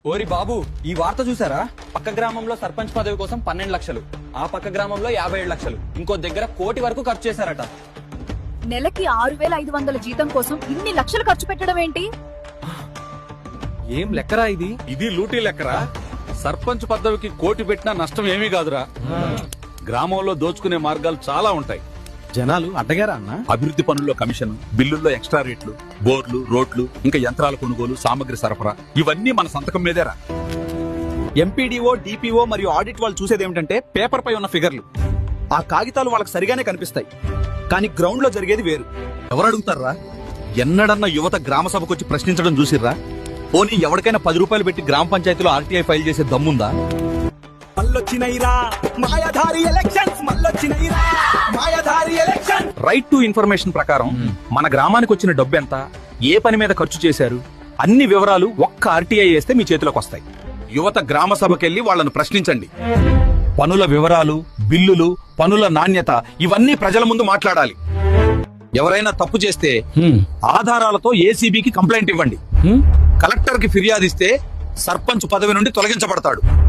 ఓరి బాబు, ఈ వార్త చూసారా? పక్క గ్రామంలో సర్పంచ్ పదవి కోసం 12 లక్షలు, ఆ పక్క గ్రామంలో 57 లక్షలు, ఇంకో దగ్గర 1 కోటి వరకు ఖర్చు చేశారట. నెలకి 6,500 జీతం కోసం ఇన్ని లక్షలు ఖర్చు పెట్టడం ఏంటి? ఏం లెక్కరా ఇది? ఇది లూటీ లెక్కరా. సర్పంచ్ పదవికి 1 కోటి పెట్టినా నష్టం ఏమీ కాదురా. గ్రామంలో దోచుకునే మార్గాలు చాలా ఉంటాయి. జనాలు అడ్డగారా అన్న? అభివృద్ధి పనుల్లో కమిషన్, బిల్లుల్లో ఎక్స్ట్రా రేట్లు, బోర్లు, రోడ్లు, ఇంకా యంత్రాల కొనుగోలు, సామగ్రి సరఫరా, ఇవన్నీ మన సంతకం మీదేరా. ఎంపీడీఓ, డిపిఓ మరియు ఆడిట్ వాళ్ళు చూసేది ఏమిటంటే పేపర్ పై ఉన్న ఫిగర్లు. ఆ కాగితాలు వాళ్ళకి సరిగానే కనిపిస్తాయి, కానీ గ్రౌండ్ లో జరిగేది వేరు. ఎవరు అడుగుతారా? ఎన్నడన్నా యువత గ్రామ సభకు వచ్చి ప్రశ్నించడం చూసిర్రా? పోనీ ఎవరికైనా 10 రూపాయలు పెట్టి గ్రామ పంచాయతీలో ఆర్టీఐ ఫైల్ చేసే దమ్ముందా? రైట్ టు ఇన్ఫర్మేషన్ ప్రకారం మన గ్రామానికి వచ్చిన డబ్బు ఎంత, ఏ పని మీద ఖర్చు చేశారు, అన్ని వివరాలు ఒక్క ఆర్టీఐ వేస్తే మీ చేతిలోకి వస్తాయి. యువత గ్రామ సభకెళ్లి వాళ్ళను ప్రశ్నించండి. పనుల వివరాలు, బిల్లులు, పనుల నాణ్యత, ఇవన్నీ ప్రజల ముందు మాట్లాడాలి. ఎవరైనా తప్పు చేస్తే ఆధారాలతో ఏసీబీకి కంప్లైంట్ ఇవ్వండి. కలెక్టర్ కి ఫిర్యాదు ఇస్తే సర్పంచ్ పదవి నుండి తొలగించబడతాడు.